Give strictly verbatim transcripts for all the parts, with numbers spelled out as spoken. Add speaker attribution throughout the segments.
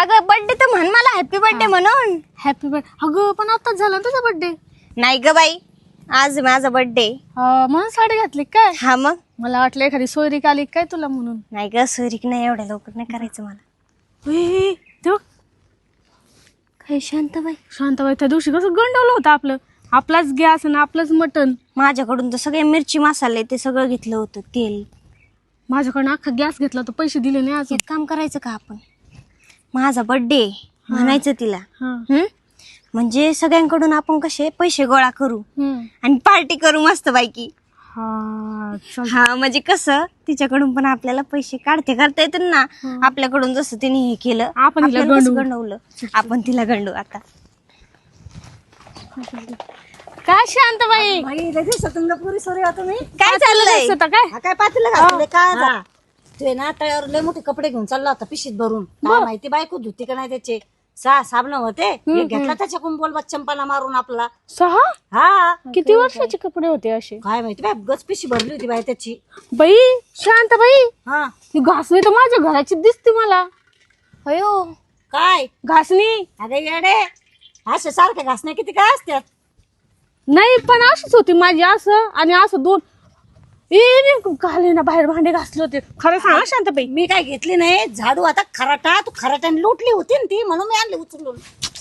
Speaker 1: अगं बर्थडे तर म्हण मला हॅपी बर्थडे म्हणून.
Speaker 2: Happy birthday. अगं पण आताच झाला ना तुझा बर्थडे.
Speaker 1: नाही ग बाई, आज माझा बर्थडे.
Speaker 2: म्हणून साडी घातली काय?
Speaker 1: हा मग
Speaker 2: मला वाटलं एखादी सोयरीक आली काय तुला म्हणून.
Speaker 1: नाही ग, सोयरीक नाही, एवढ्या लवकर नाही करायचं मला.
Speaker 2: ए, तेव्हा
Speaker 1: काय शांतबाई,
Speaker 2: शांताबाई त्या दिवशी कसं गंडवलं होतं आपलं. आपलाच गॅस आणि आपलंच मटण.
Speaker 1: माझ्याकडून तर सगळे मिरची मसाले ते सगळं घेतलं होतं, तेल.
Speaker 2: माझ्याकडनं अख्खा गॅस घेतला तर पैसे दिले नाही अजून.
Speaker 1: एक काम करायचं का आपण, माझा बर्थडे म्हणायचं तिला.
Speaker 2: हा.
Speaker 1: हम्म म्हणजे सगळ्यांकडून आपण कसे पैसे गोळा करू
Speaker 2: हम्म.
Speaker 1: आणि पार्टी करू मस्त पैकी.
Speaker 2: हा चल.
Speaker 1: हा म्हणजे कसं तिच्याकडून पण आपल्याला पैसे काढते करता येतील ना. आपल्याकडून जसं तिने हे केलं,
Speaker 2: आपण तिला
Speaker 1: आपल्याला कसं
Speaker 2: गंडवू.
Speaker 1: गंडवलं, आपण तिला गंडू आता.
Speaker 2: काय शांताबाई,
Speaker 1: काय चाललंय?
Speaker 2: होतं काय?
Speaker 3: हा काय पातीला घातले काय जा? ते ना तळ्यावर लय मोठे कपडे घेऊन चालला होता पिशीत भरून. काय माहिती बायको धुती का नाही त्याचे. सहा साबण होते, एक घेतला त्याच्याकडून बोलबा चंपाला मारून आपला.
Speaker 2: सहा
Speaker 3: हा
Speaker 2: किती वर्षाचे कपडे होते असे?
Speaker 3: काय माहिती बाय, गच पिशी भरली होती बाय त्याची.
Speaker 2: बाई शांताबाई,
Speaker 3: हा
Speaker 2: ही घासणी तर माझ्या घराची दिसते मला.
Speaker 1: अयो
Speaker 3: काय
Speaker 2: घासणी
Speaker 3: अरे येडे, असे सारखे घासणे किती काय असतात?
Speaker 2: नाही पण अशीच होती माझी, असं आणि असं दोन. ए घाले ना बाहेर भांडे घासले होते. खरं सांगा शांताबाई.
Speaker 3: मी काय घेतली नाही झाडू, आता खराटा तू खराट्याने लुटली होती ना ती, म्हणून मी आणली उचलून.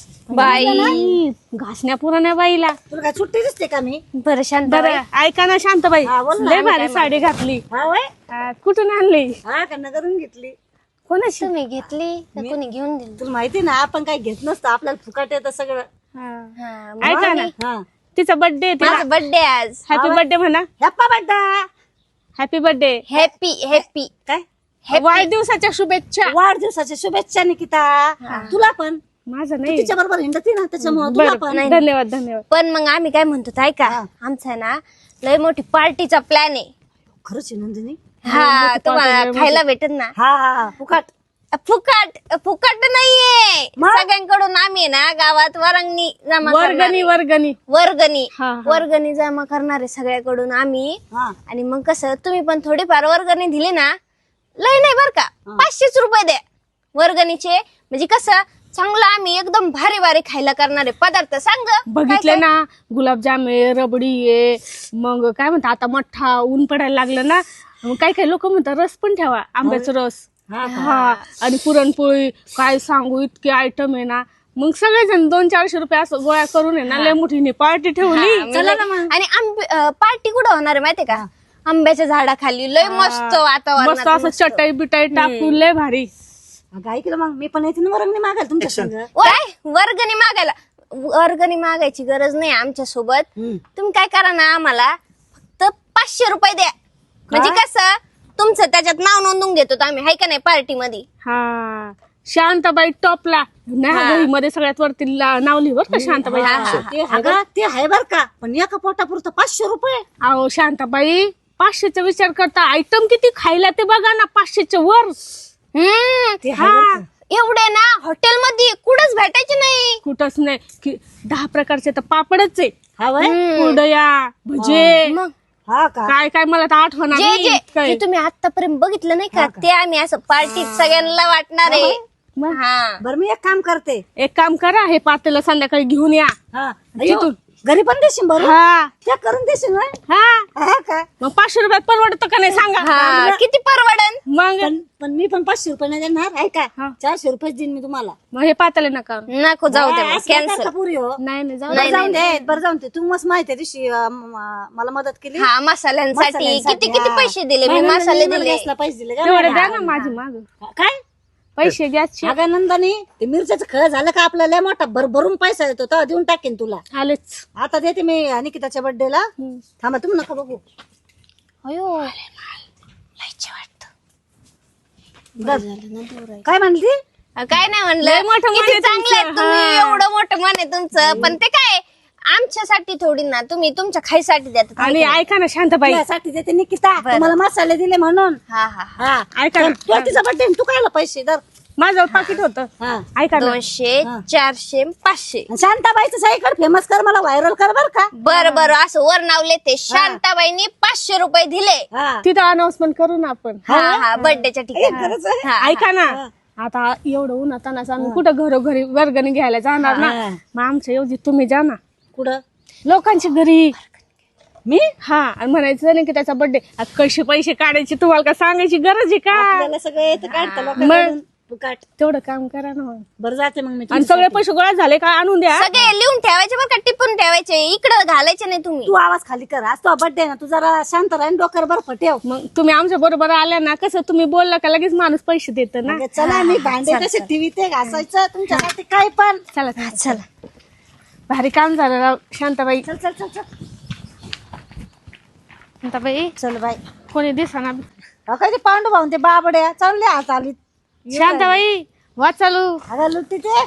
Speaker 2: बाई घासण्या पुराण्या बाईला.
Speaker 3: तुला काय सुट्टी दिसते का मी?
Speaker 1: बरं शांत,
Speaker 2: बरं ऐका ना शांताबाई,
Speaker 3: हा, बोल ना.
Speaker 2: लय भारी साडी घातली.
Speaker 3: हा वय,
Speaker 2: हा, कुठून आणली?
Speaker 3: हा का नगरून घेतली.
Speaker 2: कोणाशी?
Speaker 1: तुम्ही घेतली का कोणी घेऊन दिली?
Speaker 3: तुला माहिती ना आपण काय घेत नसतं, आपल्याला फुकाट येतं सगळं.
Speaker 2: हा.
Speaker 1: हा,
Speaker 2: ऐका ना,
Speaker 3: हा
Speaker 2: तिचा बर्थडे.
Speaker 1: माझा बर्थडे आज.
Speaker 2: हॅपी बर्थडे म्हणा.
Speaker 3: हॅप्पा बड्डा.
Speaker 2: Happy birthday.
Speaker 1: हॅपी हॅपी
Speaker 3: काय
Speaker 2: वाढदिवसाच्या शुभेच्छा.
Speaker 3: वाढदिवसाच्या शुभेच्छा निकिता. तुला पण
Speaker 2: माझा नाही.
Speaker 3: तिच्या बरोबर हिंडती ना त्याच्यामुळे तुला पण.
Speaker 2: बरं, धन्यवाद धन्यवाद.
Speaker 1: पण मग आम्ही काय म्हणतो ताई का, आमचा आहे ना लय मोठी पार्टीचा प्लॅन आहे.
Speaker 3: खरंच आहे नंदिनी.
Speaker 1: हा तुम्हाला खायला भेटत ना.
Speaker 3: हा हा हा फुकाट.
Speaker 1: फुकट फुकट नाहीये,
Speaker 3: मग?
Speaker 1: सगळ्यांकडून आम्ही ना गावात वरंगणी जमा करणार
Speaker 2: वर्गणी
Speaker 1: आहे.
Speaker 2: वर्गणी.
Speaker 1: वर्गणी
Speaker 2: हा, हा.
Speaker 1: वर्गणी जमा करणार आहे सगळ्याकडून आम्ही.
Speaker 3: हा
Speaker 1: आणि मग कसं तुम्ही पण थोडीफार वर्गणी दिली ना, लय नाही बर का, पाचशेच रुपये द्या वर्गणीचे. म्हणजे कसं चांगलं आम्ही एकदम भारी भारी खायला करणारे पदार्थ सांग.
Speaker 2: बघितलं ना, गुलाबजाम आहे, रबडी आहे, मग काय म्हणतात आता मठ्ठा. ऊन पडायला लागलं ना, मग काही काही लोक म्हणतात रस पण ठेवा, आंब्याचा रस.
Speaker 3: हा
Speaker 2: हा आणि पुरणपोळी. काय सांगू, इतके आयटम आहे ना. मग सगळेजण दोन चारशे रुपये असं गोळा करून आहे ना, लय मोठीने पार्टी ठेवली.
Speaker 1: चला ना मग. आणि आंबे पार्टी कुठं होणार आहे माहितीये का, आंब्याच्या झाडाखाली. लय मस्त
Speaker 2: मस्त
Speaker 1: वातावरण,
Speaker 2: असं चटई बिटाई टाकून लय भारी.
Speaker 3: अगं ऐकलं मग मी पण येते ना वर्गणी मागायला तुमच्या संग.
Speaker 1: काय वर्गणी मागायला? वर्गणी मागायची गरज नाही आमच्या सोबत.
Speaker 3: हम्म.
Speaker 1: तुम्ही काय करा ना, आम्हाला फक्त पाचशे रुपये द्या. म्हणजे कसं तुमचं त्याच्यात नाव नोंदून घेतो तो आम्ही, हाय का नाही, पार्टी मध्ये.
Speaker 2: हा शांताबाई टॉपला नाही मध्ये सगळ्यात वरती ला- नाव लिहिवर का शांताबाई.
Speaker 3: ते अगं ते आहे बर का, पण एका पोटापुरतं पाचशे रुपये.
Speaker 2: अहो शांताबाई, पाचशेचा विचार करता, आयटम किती खायला ते बघा ना, पाचशेच्या वर.
Speaker 1: हम्म
Speaker 3: ते आहे बरं का.
Speaker 1: एवढे ना हॉटेलमध्ये कुठंच भेटायचे नाही.
Speaker 2: कुठंच नाही की दहा प्रकारचे तर पापडच आहे.
Speaker 3: हा वय.
Speaker 2: कुरडया, भजे,
Speaker 1: मग
Speaker 3: हा का.
Speaker 2: काय काय मला तर आठवण
Speaker 1: जे जे जे तुम्ही आतापर्यंत बघितलं नाही का, ते आम्ही असं पार्टीत सगळ्यांना वाटणार आहे. हा
Speaker 3: बरं मी एक काम करते.
Speaker 2: एक काम करा, हे पातेलं संध्याकाळी घेऊन या.
Speaker 3: हा
Speaker 2: तिथून.
Speaker 3: घरी पण देशील बरं.
Speaker 2: हा
Speaker 3: त्या करून देशील ना.
Speaker 2: हा
Speaker 3: हा का.
Speaker 2: मग पाचशे रुपयात परवडतं का नाही सांगा.
Speaker 1: हा किती परवडन?
Speaker 2: मग
Speaker 3: पण पण मी पण पाचशे रुपये नाही देणार आहे का.
Speaker 2: हा.
Speaker 3: चारशे रुपये देईन मी तुम्हाला.
Speaker 2: मग हे पातेलं नका.
Speaker 1: नको जाऊ दे,
Speaker 3: हा, असं काय
Speaker 1: कॅन्सल.
Speaker 3: करता पुरी हो.
Speaker 2: नाही नाही जाऊ
Speaker 3: बरं
Speaker 2: दे.
Speaker 3: जाऊन दे, बरं जाऊन दे. तू मस्त माहिती आहे दिवशी अं, म- मला मदत केली.
Speaker 1: हा मसाल्यांसाठी
Speaker 3: मसाल्यांसाठी,
Speaker 1: किती किती
Speaker 3: हा.
Speaker 1: पैसे दिले मी,
Speaker 3: नाही,
Speaker 1: मसाले
Speaker 3: नाही,
Speaker 1: दिले.
Speaker 3: गॅसला पैसे दिले का.
Speaker 2: तेवढे द्या ना माझी माग
Speaker 3: काय
Speaker 2: पैसे गॅसचे.
Speaker 3: अगं नंदानी ते मिरच्याचं खळ झालं का आपल्याला लय मोठा भरभरून पैसा येतो तर देऊन टाकेन तुला.
Speaker 2: आलेच.
Speaker 3: आता देते मी निकिताच्या बर्थडेला. थांबा तुम्ही नका बघू.
Speaker 1: अयो
Speaker 3: काय म्हणली.
Speaker 1: काय नाही म्हणलं,
Speaker 2: लय मोठं मन
Speaker 1: किती
Speaker 2: आहे
Speaker 1: चांगलं आहे
Speaker 2: तुमचं.
Speaker 1: तुम्ही,
Speaker 2: हा.
Speaker 1: एवढं मोठं मन आहे तुमचं. पण ते काय आमच्यासाठी थोडी ना, तुम्ही तुमच्या खाईसाठी देतात.
Speaker 2: आणि ऐका ना शांताबाई,
Speaker 3: तुझ्यासाठी देते निकिता, तुम्हाला मसाले दिले म्हणून.
Speaker 1: हा हा
Speaker 3: हा
Speaker 2: ऐका ना,
Speaker 3: तुला तिचा बर्थडे तू कायला पैसे दर.
Speaker 2: माझं पाकिट होतं.
Speaker 3: हा
Speaker 2: ऐका ना,
Speaker 1: दोनशे चारशे पाचशे.
Speaker 3: शांताबाईचं साईकड फेमस कर, मला व्हायरल कर बर का.
Speaker 1: बर बर असं वर नावले ते शांताबाईंनी पाचशे रुपये दिले.
Speaker 3: हा
Speaker 2: तिथं अनाउन्समेंट करू ना आपण.
Speaker 1: हा हा बर्थडेच्या ठिकाणी.
Speaker 3: खरंच आहे?
Speaker 1: हा,
Speaker 2: ऐका ना, आता एवढं उन्हात तानाचं आम्ही कुठं घरोघरी वर्गणी घ्यायला जाणार ना.
Speaker 3: हा.
Speaker 2: मग आमच्या एवढी तुम्ही जा ना
Speaker 3: कुठं
Speaker 2: लोकांच्या घरी.
Speaker 3: मी
Speaker 2: हा आणि म्हणायचं नाही की त्याचा बर्थडे कसे पैसे काढायचे तुम्हाला का सांगायची गरज आहे का.
Speaker 3: आपल्याला सगळं येतं काढतं लोकांकडून फुकाट.
Speaker 2: तेवढं काम करा ना.
Speaker 3: बरं जाते मग मी
Speaker 2: आणि सगळे पैसे गोळा झाले का आणून द्या.
Speaker 1: सगळे लिहून ठेवायचे बरं का, टिपून ठेवायचे, इकडं घालायचे नाही तुम्ही.
Speaker 3: तू आवाज खाली कर. आज तो बर्थडे ना, तू जरा शांत राहीन, डोक्यावर बर्फ ठेव.
Speaker 2: मग तुम्ही आमच्या बरोबर आल्या ना कसं तुम्ही बोलला का लगेच माणूस पैसे देत ना.
Speaker 3: म्हणजे चला मी भांडे कसे टीव्ही ते घासायचं तुमच्यासाठी काय पण.
Speaker 2: चला चला चला भारी काम झालं राव शांताबाई.
Speaker 3: चल चल चल चल
Speaker 2: शांताबाई
Speaker 3: चल बाई.
Speaker 2: कोणी दिसना.
Speaker 3: अहो, काय ते पांडू भाऊन ते बाबड्या चालले हात आली.
Speaker 2: शांताबाई वा चालू.
Speaker 3: अगं लुटी ते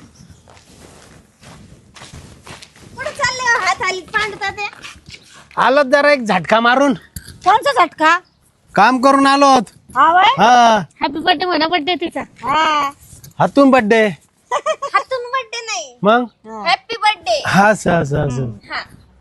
Speaker 1: कुठं चालले हो? हात आली पांडता ते.
Speaker 4: आलो जरा एक झटका मारून
Speaker 3: कोणचा झटका.
Speaker 4: काम करून आलो.
Speaker 3: हा वय
Speaker 4: हा
Speaker 2: हॅपी बर्थडे म्हणा बर्थडे तिचा.
Speaker 3: हा
Speaker 4: हातून बड्डे
Speaker 1: हातून बर्थडे नाही,
Speaker 4: मग
Speaker 1: हॅपी बर्थडे.
Speaker 4: हा असं असं असं
Speaker 1: हा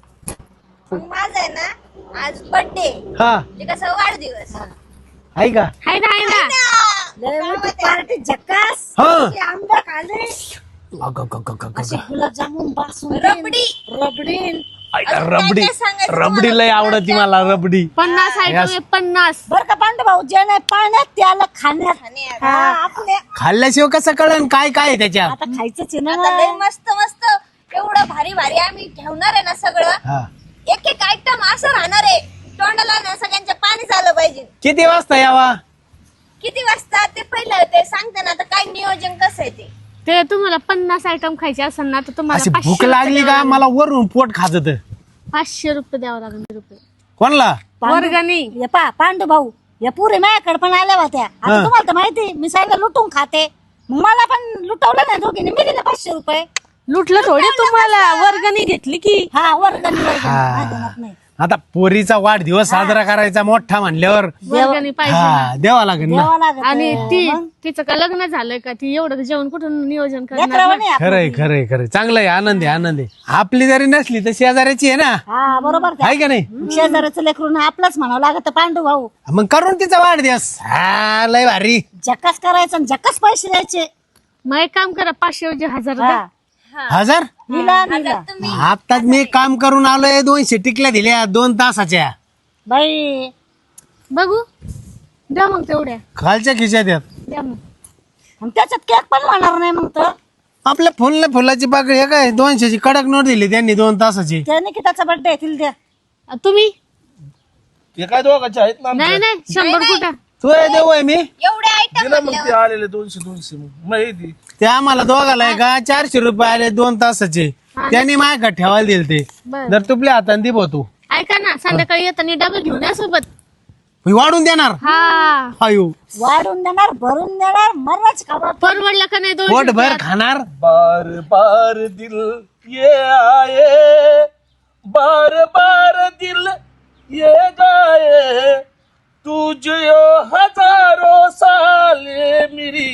Speaker 1: मग माझा आहे ना आज बर्थडे,
Speaker 4: हा
Speaker 1: म्हणजे कसं वाढदिवस.
Speaker 4: आहे का
Speaker 2: हाय ना हाय ना.
Speaker 3: लय मोठी पार्टी झक्कास.
Speaker 4: हा
Speaker 3: ते आंबा खाले
Speaker 4: अगं, अगं, अगं, अगं,
Speaker 3: असे
Speaker 4: अगं.
Speaker 3: गुलाबजामुन बासुंदी
Speaker 1: रबडी.
Speaker 3: रबडी
Speaker 4: आईला
Speaker 1: अजून
Speaker 4: रबडी
Speaker 1: काय काय सांगायचं
Speaker 4: रबडी लय
Speaker 1: तुम्हाला?
Speaker 4: आवडती मला रबडी.
Speaker 2: पन्नास आयटम आहे पन्नास.
Speaker 3: बर का पांडू भाऊ. जे नाही पाण्यात त्याला खाण्यात.
Speaker 1: खाण्यात.
Speaker 3: हा, आपले
Speaker 4: खाल्ल्याशिवाय कसं कळन काय काय आहे त्याच्यात.
Speaker 3: आता खायचंच आहे
Speaker 1: आता लय
Speaker 3: ना.
Speaker 1: मस्त मस्त एवढं भारी भारी आम्ही ठेवणार आहे ना सगळं.
Speaker 4: हा
Speaker 1: एक एक आयटम असं राहणार आहे, तोंडाला ना सगळ्यांच्या पाणी झालं पाहिजे.
Speaker 4: किती वाजता यावा.
Speaker 1: किती वाजता ते पहिलं ते सांगते ना, आता काय नियोजन कसं आहे ते.
Speaker 2: ते तुम्हाला पन्नास आयटम खायचे असेल ना तर
Speaker 4: अशी
Speaker 2: तुम्हाला
Speaker 4: भूक
Speaker 2: पाचशे
Speaker 4: लागली
Speaker 2: रुपये
Speaker 4: का मला वरून पोट खाजत.
Speaker 2: पाचशे रुपये द्यावं लागेल. रुपये
Speaker 4: कोणला
Speaker 2: वर्गणी.
Speaker 3: ये पा पांडू भाऊ या पुरे माझ्याकडे पण आल्या होत्या. आता
Speaker 4: हा.
Speaker 3: तुम्हाला तर माहिती मी सगळं लुटून खाते. मग मला पण लुटवलं नाही दोघीने. मी दिले पाचशे रुपये.
Speaker 2: लुटलं थोडी तुम्हाला वर्गणी घेतली की.
Speaker 3: हा वर्गणी वर्गणी.
Speaker 4: हा.
Speaker 3: हा, देणार नाही.
Speaker 4: आता पोरीचा वाढदिवस साजरा करायचा मोठा म्हणल्यावर
Speaker 2: वर्गणी पाहिजे ना.
Speaker 4: हा द्यावा लागेल ना.
Speaker 3: द्यावं लागत.
Speaker 2: आणि ती तिचं का लग्न झालंय का ती एवढं जेवण कुठून नियोजन करणार
Speaker 3: लेकरावानी
Speaker 2: ना?
Speaker 3: आपण.
Speaker 4: खरंय खरंय खरंय चांगलं आहे. आनंद आहे आनंद आहे. आपली जरी नसली तर शेजाऱ्याची आहे ना.
Speaker 3: हा बरोबर ते.
Speaker 4: आहे का नाही.
Speaker 3: शेजाऱ्याचं लेकरून आपलंच म्हणावं लागत पांडू भाऊ.
Speaker 4: मग करून तिचा वाढदिवस. हा लय भारी.
Speaker 3: जक्कास करायचं आणि जक्कास पैसे द्यायचे.
Speaker 2: मग एक काम करा पाचशे ऐवजी हजार द्या.
Speaker 3: हा.
Speaker 4: हजार
Speaker 3: निला निला
Speaker 1: तुम्ही
Speaker 4: आताच मी काम करून आलोय. दोनशे टिकल्या दिल्या दोन तासाच्या.
Speaker 3: बाई
Speaker 2: बघू द्या मग तेवढ्या
Speaker 4: खालच्या खिशात यात
Speaker 2: द्या मग.
Speaker 3: आणि त्याच्यात केक पण होणार नाही मग तर.
Speaker 4: आपल्या फुलल्या फुलाची पाकळी आहे काय दोनशेची कडक नोट दिली त्यांनी दोन तासाची.
Speaker 3: त्याने की त्याचा बर्थडे येतील द्या.
Speaker 2: अ, तुम्ही
Speaker 5: ते काय दोघांचे आहेत ना
Speaker 2: नाही नाही शंभर कुठं.
Speaker 4: तू आहे देऊ आहे मी
Speaker 1: एवढे आयटम
Speaker 5: दिलं मग ते आलेले दोनशे दोनशे मग माहिती
Speaker 4: ते आम्हाला दोघाला आहे का चारशे रुपये आले दोन तासाचे. त्यांनी माझ्याकडे ठेवायला दिले ते.
Speaker 2: बरं.
Speaker 4: जर तुपल्या हाताने दे भाऊ तू
Speaker 2: ऐका ना संध्याकाळी येताना डबे घेऊन या सोबत.
Speaker 4: मी वाढून देणार.
Speaker 2: हा
Speaker 4: आयु
Speaker 3: वाढून देणार भरून देणार मरच खावा.
Speaker 2: परवडलं का नाही दोन
Speaker 4: पोट भर खाणार.
Speaker 5: बार बार दिल ये आए बार बार दिल ये गाए तुझे हजारों साले मेरी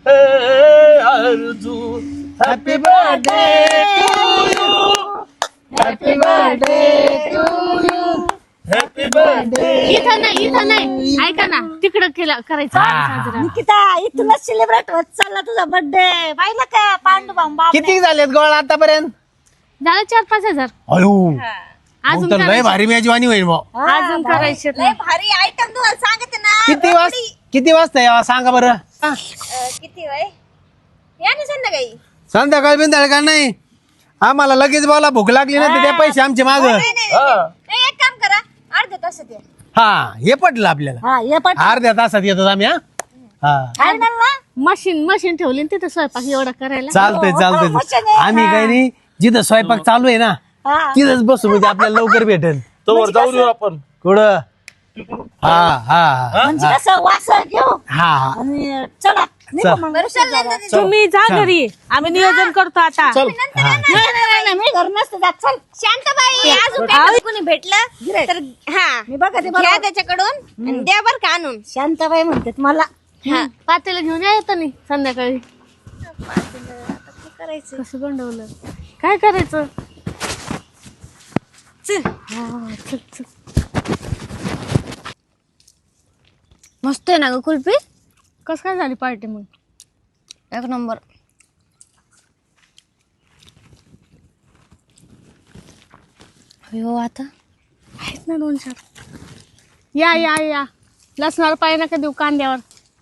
Speaker 5: है आरज़ू. Happy birthday to you happy birthday to you happy birthday.
Speaker 2: इथं नाही इथं नाही ऐका ना तिकडं केलं करायचं साजरा.
Speaker 3: निकिता इथूनच सेलिब्रेट होत चालला तुझा बर्थडे. पाहिलं का पांडू भाऊ.
Speaker 4: किती झालेत गोळ आतापर्यंत.
Speaker 2: झालं चार पाच हजार.
Speaker 4: अयो मग
Speaker 2: अजून
Speaker 4: तर लय भारी मेजवानी होईल भाऊ.
Speaker 2: अजून करायचे
Speaker 1: लय भारी आयटम तुम्हाला सांगते ना.
Speaker 4: किती वाजता किती वाजता यावा सांगा बरं. हा.
Speaker 1: अं, किती वय या ना संध्याकाळी.
Speaker 4: संध्याकाळ बिंदाळ का नाही. आम्हाला लगेच बोला भूक लागली ना तर त्या पैसे आमचे माग.
Speaker 1: नाही, नाही, नाही, नाही, एक काम करा अर्ध्या तासात या.
Speaker 4: हा हे पटलं आपल्याला.
Speaker 3: हा ये पण
Speaker 4: अर्ध्या तासात येतो आम्ही. हा हा
Speaker 3: फायनल ना.
Speaker 2: मशीन मशीन ठेवली ना तिथं स्वयंपाक एवढा करायला.
Speaker 4: चालतंय
Speaker 3: हो,
Speaker 4: चालतंय. आम्ही काही नाही जिथं स्वयंपाक चालू आहे ना
Speaker 3: हा.
Speaker 4: तिथंच बसू म्हणजे आपल्याला लवकर भेटेल.
Speaker 5: तोवर जाऊन येऊ आपण.
Speaker 4: कुठं हा हा हा
Speaker 3: म्हणजे कसं वास घेऊ
Speaker 4: हा हा
Speaker 3: आणि चला निघू
Speaker 4: चल.
Speaker 3: मग.
Speaker 1: बरं चाललंय ना दीदी.
Speaker 2: तुम्ही जा घरी आम्ही नियोजन करतो आता.
Speaker 5: चल
Speaker 1: नंतर
Speaker 4: हा.
Speaker 1: या ना.
Speaker 3: नाही नाही नाही मी घर नसतं जात. चल
Speaker 1: शांताबाई अजून काय कोणी भेटलं तर हा
Speaker 3: मी बघा ते
Speaker 1: घ्या
Speaker 3: बघा.
Speaker 1: त्याच्याकडून आणि द्या बर का आणून.
Speaker 3: शांताबाई म्हणतात मला.
Speaker 2: हा पातेलं घेऊन या येतं नाही संध्याकाळी.
Speaker 1: करायचं
Speaker 2: कसं गंडवलं काय करायचं.
Speaker 1: चल.
Speaker 2: हा, चल, चल.
Speaker 1: मस्त आहे ना ग कुल्फी.
Speaker 2: कसं काय झाली पार्टी मग.
Speaker 1: एक नंबर. हो आता
Speaker 2: आहेत ना दोन चार. या या या लसणावर पाय नका देऊ कांद्यावर.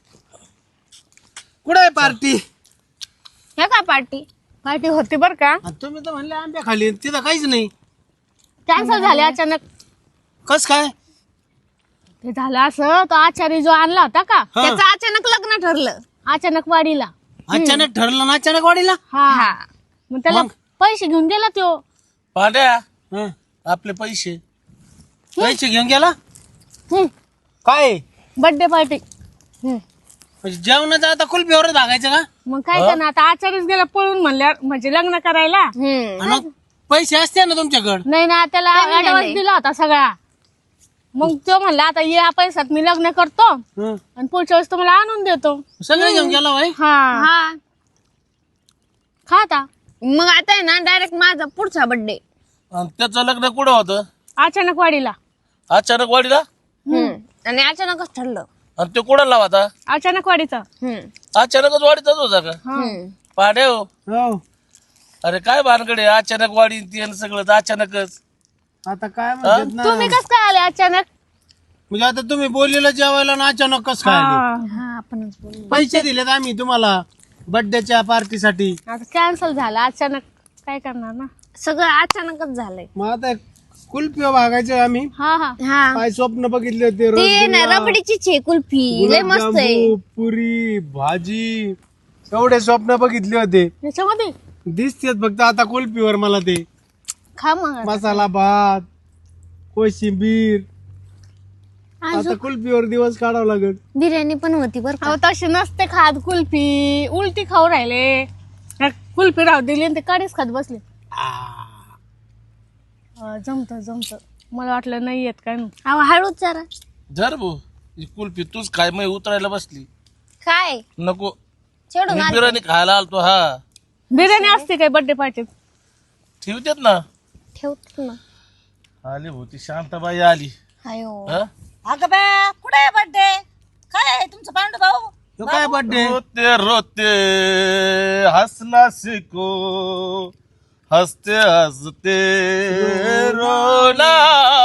Speaker 4: कुठे आहे पार्टी?
Speaker 1: हे काय पार्टी?
Speaker 2: पार्टी होती बर का,
Speaker 4: तुम्ही तर म्हणले आंब्या खाली, तिथं काहीच नाही.
Speaker 2: कॅन्सल झाले अचानक.
Speaker 4: कस काय?
Speaker 2: ते झालं असं, तो आचारी जो आणला होता का
Speaker 4: हा.
Speaker 1: त्याचं अचानक लग्न ठरलं.
Speaker 2: अचानक वाडीला.
Speaker 4: अचानक ठरलं ना अचानक वाढीला.
Speaker 2: हा
Speaker 1: हा.
Speaker 2: मग त्याला
Speaker 4: मग?
Speaker 2: पैसे घेऊन गेला तो.
Speaker 5: पांड्या
Speaker 4: हं.
Speaker 5: आपले पैसे
Speaker 4: पैसे घेऊन गेला
Speaker 2: हम्म.
Speaker 4: काय?
Speaker 2: Birthday party.
Speaker 4: म्हणजे जेवणाचं आता कुल्फीवरच भागायचं का?
Speaker 2: मग काय करणार आता, आचारीच गेला पळून म्हणल्या म्हणजे लग्न करायला.
Speaker 1: हम्म.
Speaker 4: आणि मग पैसे असते ना तुमच्याकडे.
Speaker 2: नाही ना, त्याला
Speaker 1: त्यांनी
Speaker 2: ऍडव्हान्स
Speaker 1: नेले.
Speaker 2: दिला होता सगळा. मग तो म्हणला आता या पैशात मी लग्न करतो
Speaker 4: हं.
Speaker 2: आणि पुढच्या वेळेस तुम्हाला आणून देतो.
Speaker 4: सगळं घेऊन गेला भाई.
Speaker 2: हा
Speaker 1: हा.
Speaker 2: खा आता.
Speaker 1: मग आता आहे ना डायरेक्ट माझा पुढचा बर्थडे.
Speaker 5: आणि त्याचं लग्न कुठं होतं?
Speaker 2: अचानक वाडीला.
Speaker 5: अचानक वाडीला.
Speaker 1: आणि अचानकच ठरलं.
Speaker 5: आणि ते कुठं लावा आता?
Speaker 2: अचानक वाडीचा.
Speaker 1: हम्म.
Speaker 5: अचानकच वाडीचाच होता का?
Speaker 1: हम्म.
Speaker 5: पांड्या हो,
Speaker 4: हो.
Speaker 5: अरे काय भानकडे अचानक वाढी ते सगळं तर अचानकच.
Speaker 4: आता काय म्हणतात ना,
Speaker 2: तुम्ही कस काय आले अचानक?
Speaker 4: म्हणजे आता तुम्ही बोललेलं जेवायला ना अचानक कस काय आले?
Speaker 2: हा.
Speaker 1: हा आपणच बोलू.
Speaker 4: पैसे दिलेत आम्ही तुम्हाला बर्थडेच्या पार्टीसाठी.
Speaker 2: आता कॅन्सल झालं अचानक, काय करणार ना.
Speaker 1: सगळं अचानकच झालंय.
Speaker 4: मग आता कुल्फी भागायचं आम्ही.
Speaker 2: हा हा
Speaker 1: हा.
Speaker 4: काय स्वप्न बघितले होते?
Speaker 1: ते ना
Speaker 4: रसगुल्ला,
Speaker 1: रबडीचीच आहे कुल्फी. लय मस्त आहे.
Speaker 4: गुलाबजामू, पुरी भाजी एवढे स्वप्न बघितले होते.
Speaker 2: याच्यामध्ये
Speaker 4: दिसतेत फक्त आता कुल्फीवर मला ते
Speaker 2: खा मग आता.
Speaker 4: मसाला भात, कोशिंबीर. आता कुल्फीवर दिवस काढावा लागत.
Speaker 1: बिर्याणी पण होती बर का.
Speaker 2: अहो तशी नसते खात कुल्फी, उलटी खाऊ राहिले. ह्या कुल्फी राहू दिली आणि ते काढीच खात बसले. जमत जमत, मला वाटलं नाही येत काय.
Speaker 1: अहो हळूच जरा.
Speaker 5: धर भाऊ ही कुल्फी तूच काय मग उतरायला बसली.
Speaker 1: काय
Speaker 5: नको
Speaker 1: चढून
Speaker 5: मी
Speaker 1: आली.
Speaker 5: बिर्याणी खायला आलतो. हा
Speaker 2: बिर्याणी असते काय बर्थडे पार्टीत?
Speaker 5: ठेवतेत ना.
Speaker 1: ठेवतो ना.
Speaker 5: आली भाऊ ती शांताबाई आली.
Speaker 1: अयो.
Speaker 5: हा?
Speaker 3: अगं बा कुठे आहे बर्थडे? काय आहे तुमचं पांडू भाऊ?
Speaker 4: तो काय बर्थडे?
Speaker 5: रोते रोते हंसना सीखो, हंसते हंसते रोना,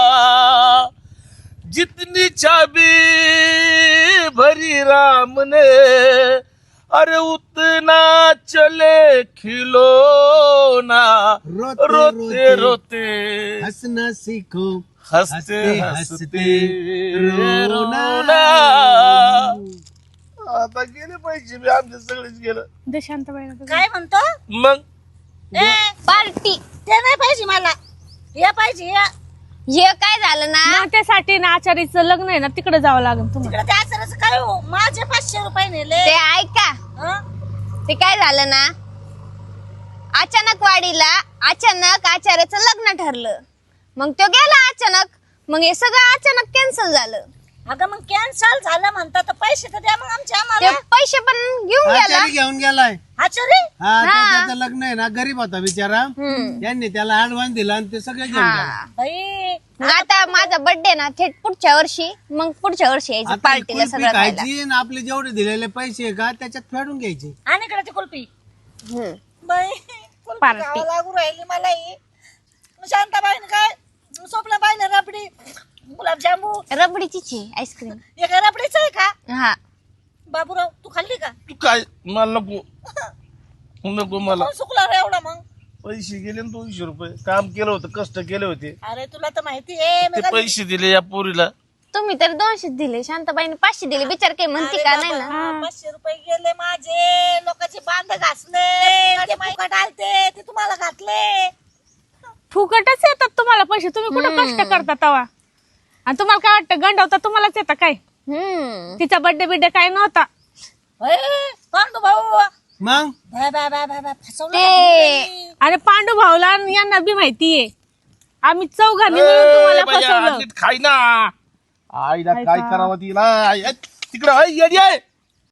Speaker 5: जितनी चाबी भरी राम ने, अरे उतना चले खिलौना,
Speaker 4: रोते
Speaker 5: रोते रोते
Speaker 4: हंसना सीखो,
Speaker 5: हंसते
Speaker 4: हंसते
Speaker 5: हंसते
Speaker 4: रोना.
Speaker 5: रोना. आता गेले पैसे बी आमचे सगळेच गेलं.
Speaker 2: दे शांताबाईला दे.
Speaker 3: काय म्हणतो?
Speaker 5: मग
Speaker 3: ए
Speaker 1: पार्टी.
Speaker 3: ते नाही पाहिजे मला, या पाहिजे या.
Speaker 1: हे काय झालं ना.
Speaker 2: मग त्यासाठी ना आचारीचं लग्न आहे ना, तिकडे जावं लागेल तुम्हाला.
Speaker 3: तिकडे त्या आचाराचं काय हो, माझे पाचशे रुपये नेले.
Speaker 1: ते ऐका.
Speaker 3: हं?
Speaker 1: ते काय झालं ना, अचानक वाडीला अचानक आचार्याचं लग्न ठरलं. मग तो गेला अचानक. मग हे सगळं अचानक कॅन्सल झालं.
Speaker 3: अगं मग कॅन्सल झालं म्हणता तर पैसे तर द्या मग आमचे
Speaker 1: ते
Speaker 3: आम्हाला.
Speaker 1: पैसे पण घेऊन गेला.
Speaker 4: आचारी घेऊन गेलाय.
Speaker 3: आचारी
Speaker 4: हा ते त्याचं लग्न आहे ना, गरीब होता बिचारा.
Speaker 1: हम्म.
Speaker 4: यांनी त्याला ऍडव्हान्स दिला आणि ते सगळे घेऊन गेला.
Speaker 1: हा.
Speaker 3: बाई
Speaker 1: मग आता माझा बर्थडे ना थेट पुढच्या वर्षी. मग पुढच्या वर्षी यायचं
Speaker 4: आता ही
Speaker 1: पार्टीला
Speaker 4: कुल्फी
Speaker 1: सगळं खायला.
Speaker 4: खायची आणि आपले जेवढे दिलेले पैसे आहे का त्याच्यात फेडून घ्यायचे.
Speaker 3: आणि इकडे ती कुल्फी.
Speaker 1: हम्म.
Speaker 3: बाई कुल्फी
Speaker 2: पार्टी.
Speaker 3: खावं लागू राहिली मला ही. शांताबाईने काय स्वप्नाबाईने रबडी, गुलाबजामू,
Speaker 1: रबडीचीच आहे आईस्क्रीम.
Speaker 3: हे काय रबडीचं आहे का?
Speaker 1: हा.
Speaker 3: बाबूराव तू खाल्ली का?
Speaker 5: तू काय मला नको नको मला.
Speaker 3: कोण सुकला रे एवढा मग?
Speaker 5: पैसे गेले ना दोनशे रुपये. काम केलं होतं, कष्ट केले होते,
Speaker 3: अरे तुला तर माहिती आहे मी
Speaker 5: ते पैसे दिले या पोरीला.
Speaker 1: तुम्ही तर दोनशे दिले, शांताबाईने पाचशे दिले. विचार काही म्हणते का नाही ना.
Speaker 3: बाबा, पाचशे रुपये गेले माझे. लोकांचे बांध घासले, ते फुकट आलते ते तुम्हाला घातले.
Speaker 2: फुकटच येतात तुम्हाला पैसे, तुम्ही कुठं कष्ट करता तवा. आणि तुम्हाला काय वाटतं गंडवता तुम्हालाच येतं काय?
Speaker 1: हम्म.
Speaker 2: तिचा बर्थडे बिड्डे काय नव्हता.
Speaker 3: ए, पांडू भाऊ
Speaker 4: मग
Speaker 3: bye bye bye bye bye फसवलं
Speaker 1: ते
Speaker 3: का तुम्ही?
Speaker 2: अरे पांडू भाऊला आणि यांना बी माहितीये आम्ही चौघांनी मिळून तुम्हाला
Speaker 5: ए, बाया,
Speaker 2: फसवलं.
Speaker 5: नीट खाई ना. आईला काय करावं तिला. तिकडं येडी आहे.